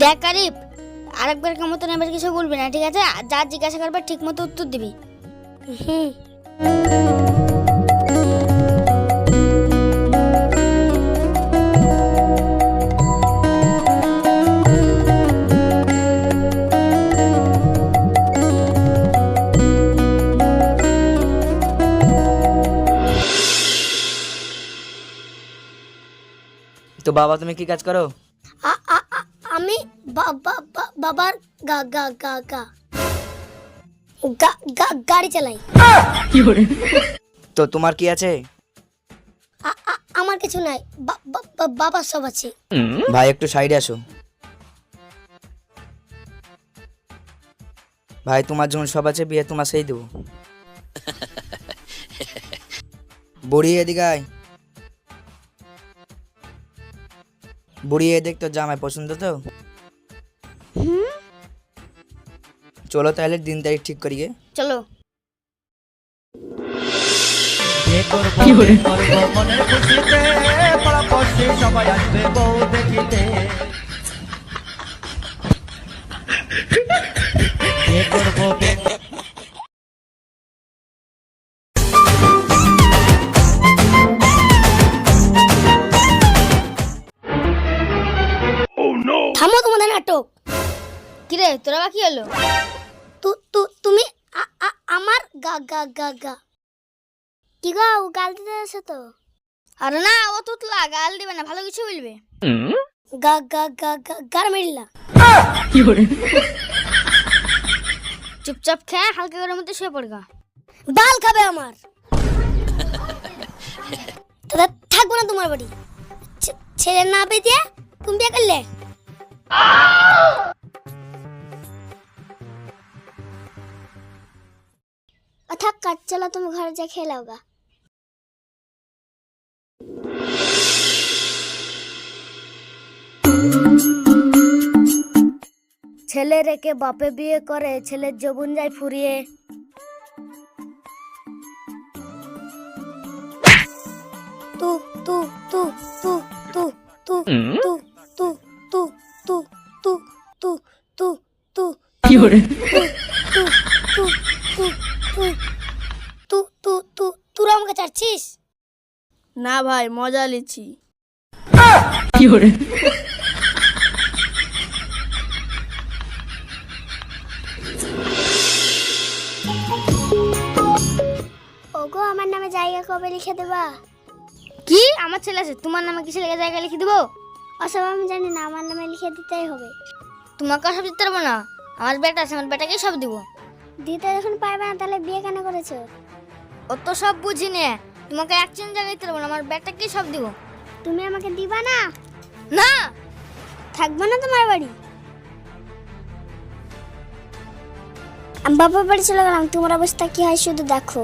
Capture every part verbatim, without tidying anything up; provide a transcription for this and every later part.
দেখ আরিফ, আরেকবার কেমন মতন এবার কিছু বলবি না, ঠিক আছে? যা জিজ্ঞাসা করবে ঠিক মতো উত্তর দিবি। হুম। তো বাবা তুমি কি কাজ করো? আ- আ- আ- আমি বা- বা- বা- বাবার গা গা গা গা গা- গা- গাড়ি চালাই। তো তোমার কি আছে? আ- আ- আমার কিছু নাই, বা- বা- বা- বাবার সব আছে। ভাই একটু সাইডে আসো। ভাই তোমার যখন সব আছে, বিয়ে তোমার সেই দেবো। বুড়ি এদিকে আয়। বুড়ি এদিক, তোর জামাই পছন্দ তো? চলো তাহলে দিন তারিখ ঠিক করি গে। চলো। থামো তোমাদের নাটক। কিরে তোরা বাকি হলো? তুমি আ- আ- আমার গা গা গা গা কি গো, গাল দিতে আসো তো? আরে না, ও তুতলা গাল দিবে না, ভালো কিছু বলবে। গা গা গা গা গার মেরিলা। চুপচাপ খেয়ে হালকা করে মধ্যে শুয়ে পড়গা। বাল খাবে আমার। দাদা থাকবো না তোমার বাড়ি। ছে- ছেলে না পেয়ে দিয়ে তুমি বিয়ে করলে। থাক কাজ, চলো তুমি ঘরে যা খেয়ে লাও গা। ছেলে রেখে বাপে বিয়ে করে, ছেলের যৌবন যায় ফুরিয়ে। তু তু তু তু তু তু তু তু তু তু তু তু তু তু কি হরে তু তু তু তু তু তু তু তুই আমাকে চাচ্ছিস? না ভাই, মজা লিছি। কি হরে ওগো আমার নামে জায়গা কবে লিখে দেবা? কি আমার ছেলে আছে, তোমার নামে কিসে লেগে জায়গা লিখে দেবো? ওসব আমি জানি না, আমার নামে লিখে দিতেই হবে। তোমাকে সব দিতে পারবো না, আমার বেটা আছে, আমার বেটাকে সব দিব। দিতে যখন পারবে না তাহলে বিয়ে কেন করেছো? ও তো সব বুঝি নে, তোমাকে এক চেন জায়গায় দিতে পারবো না, আমার বেটাকে সব দিব। তুমি আমাকে দিবা না? না, থাকবো না তোমার বাড়ি। আমি বাবার বাড়ি চলে গেলাম, তোমার অবস্থা কি হয় শুধু দেখো।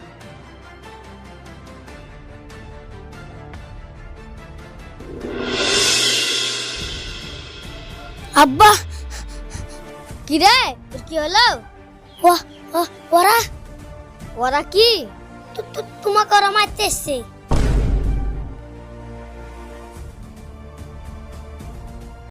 আব্বা কি রে, তোর কি হলো? ওরা ওরা কি তোমাকে ওরা মারতে এসছে?